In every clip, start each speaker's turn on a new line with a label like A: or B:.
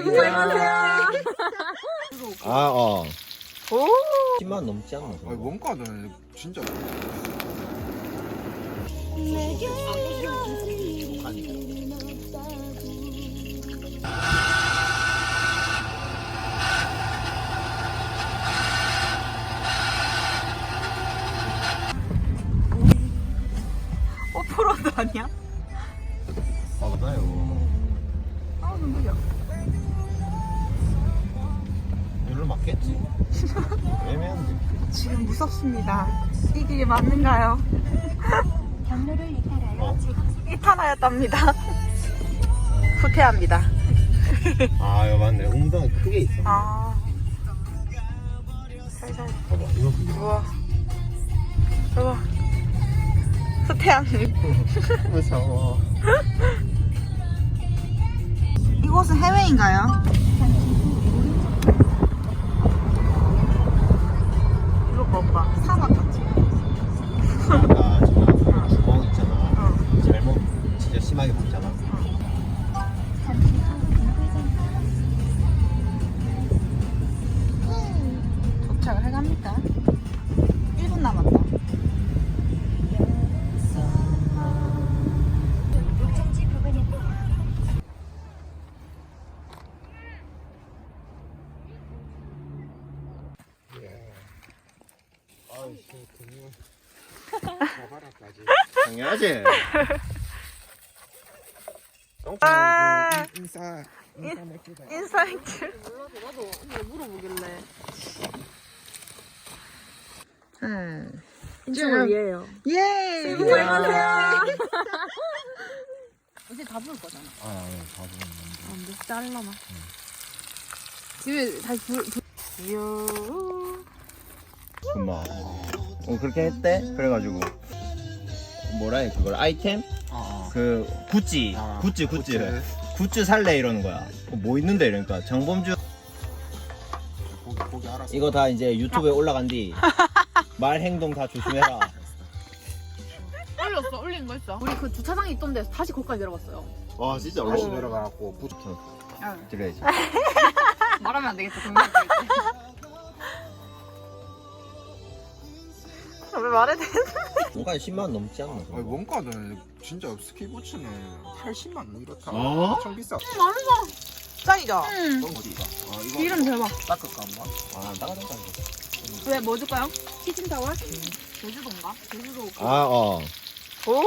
A: 안녕하세요.
B: 아,
A: 오.
B: 10만 넘지 않나?
C: 아니 원가는 진짜
A: 오프로드 아니야?
B: 맞아요.
A: 아, 눈물이야.
B: 이리로 맞겠지? 애매한데.
A: 지금 무섭습니다. 이 길이 맞는가요?
D: 경로를 이탈하여
A: 이탈하였답니다. 후퇴합니다.
B: 아, 이거 맞네. 웅덩이 크게 있어.
A: 아. 살살.
B: 봐봐, 이거 크게.
A: 우와. 우와. 후퇴한.
B: 무서워.
A: 이곳은 해외인가요? 이거 봐봐. 사막 같지?
B: 아까 저 주먹 있잖아. 잘못 진짜 심하게 봤잖아.
A: 도착을 해갑니까? 1분 남았다.
D: 목적지 부근에
C: 아이씨 근육 가바라까지
B: 당연하지.
A: 아.
C: 인사 맥주다
A: 인사이트.
E: 나도 언니가 물어보길래
A: 지금
E: 이에요.
A: 예.
E: 안녕하세요. 이제 다 부을 거잖아.
B: 다 보는
E: 안 돼, 잘라나. 집에 다시
B: 금방. 그렇게 했대? 그래가지고 뭐라 해 그걸 아이템? 그 굿즈 굿즈 살래 이러는 거야. 뭐 있는데 이러니까 정범주
C: 고기 알았어
B: 이거 다 이제 유튜브에 올라간 뒤 말 행동 다 조심해라.
E: 올린 거 있어. 우리 그 주차장에 있던 데서 다시 거기까지 내려갔어요.
B: 와 진짜
C: 다시 내려가고 부츠
B: 드려야지.
E: 말하면 안 되겠다. 동네
A: 왜 말해 돼?
B: 뭔가 10만 원 넘지 않나?
C: 아니 원가는 진짜 스키부츠는 80만 원 이렇다
B: 어?
C: 엄청 비싸
A: 짱이죠?
E: 응.
C: 넌 어디가? 아 이거
E: 이름 대박.
C: 닦을까 한번?
B: 아 따가닥
E: 왜, 뭐 줄까요? 키친타월? 제주도인가? 제주도.
B: 아
A: 오.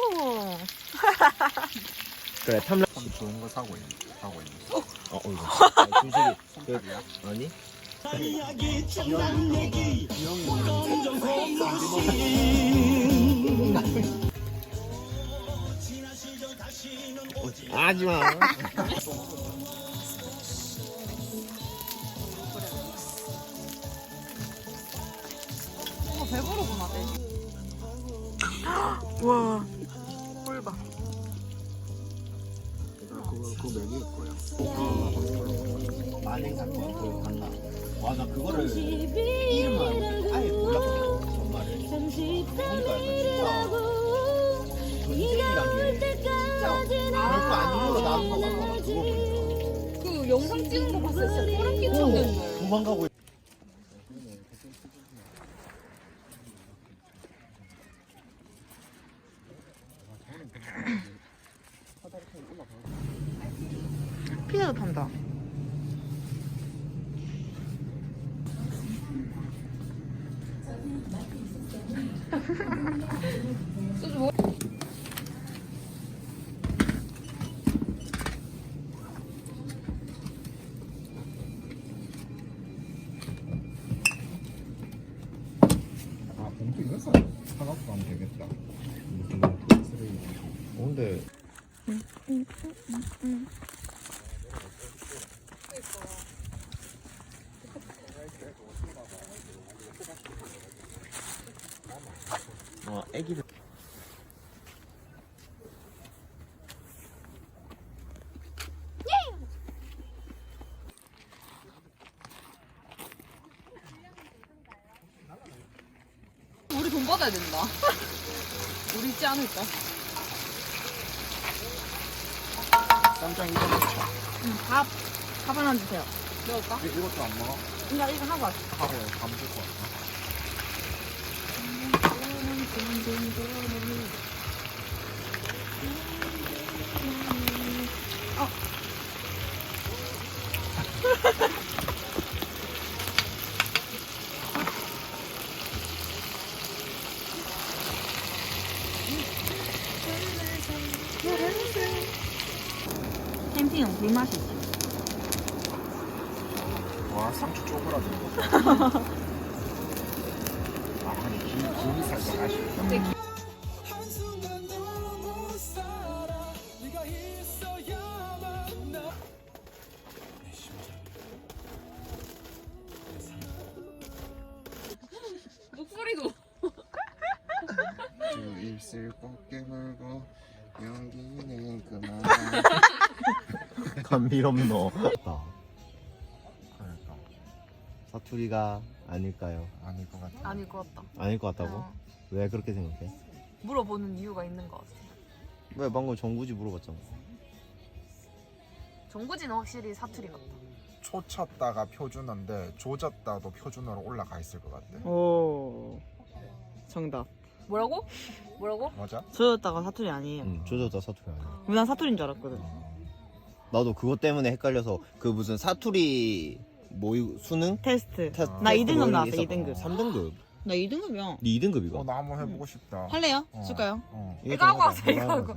B: 그래 탐라
C: 참 좋은 거 사고 있는
B: 이거 아, 주식이
C: 손톱이야?
B: 아니? 하지마.
E: 배부르구나, 내.
A: 와. 꿀봐.
C: 그거 메뉴일 거야
B: 만행 사건 그거 간다. 와나 그거를 이름만 아예 몰랐거든 정말을. 보니까 약간 진짜 전쟁이란 게 진짜 별거 아니고 나온 거 같아. 그거 보니까
E: 그 영상 찍은 거 봤을 때 진짜 소름 끼쳤는데.
B: 도망가고 있-
A: 피자도 판다.
C: 아 봉투 이거 사갖고 가면 되겠다
B: 근데 애기들
E: 우리 돈 받아야 된다. 우리 있지 않을까?
C: 쌈장 이거 넣자
E: 응, 밥.
A: 밥 하나 주세요.
E: 먹을까?
C: 이것도 안 먹어?
A: 이거 하고 왔어.
C: 하고 감줄 것 같아.
A: 캠핑은 불맛이지.
C: 와 상추 쪼그라드는 거. 아 근데 김이 살짝 아쉽다.
E: 목소리도.
C: 두 입술 꼭 깨물고 연기는 그만.
B: 감미롭노.
C: 그러니까
B: 사투리가 아닐까요?
C: 아닐 것 같아.
E: 아닐 것 같다.
B: 아닐 것 같다고?
E: 어.
B: 왜 그렇게 생각해?
E: 물어보는 이유가 있는 것 같아.
B: 왜 방금 정구지 물어봤잖아.
E: 정구지는 확실히 사투리 같다.
C: 초쳤다가 표준어인데 조졌다도 표준어로 올라가 있을 것 같아.
A: 오. 정답.
E: 뭐라고? 뭐라고?
C: 맞아?
A: 저였다가 사투리 아니에요.
B: 응, 조졌다 사투리 아니야.
A: 난 사투리인 줄 알았거든.
B: 나도 그것 때문에 헷갈려서 그 무슨 사투리 수능?
A: 테스트.
B: 테스트
A: 나 2등급
B: 뭐 이런
A: 나왔어,
B: 게 있었거든.
A: 2등급.
B: 3등급.
A: 나 2등급이야.
B: 네 2등급이가.
C: 나 한번 해보고 싶다.
A: 할래요?
C: 어.
A: 줄까요?
C: 어.
E: 이거 하고 왔어, 이거 하고.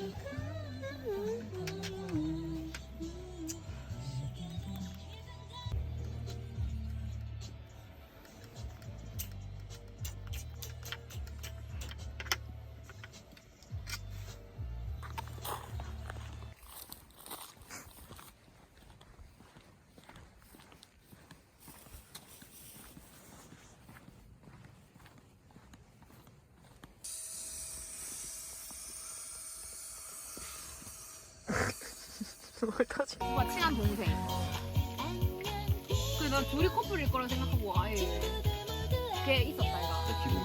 E: 오빠 친한 동생. 그래 난 둘이 커플일 거라 생각하고 아예 걔 있었다 이가.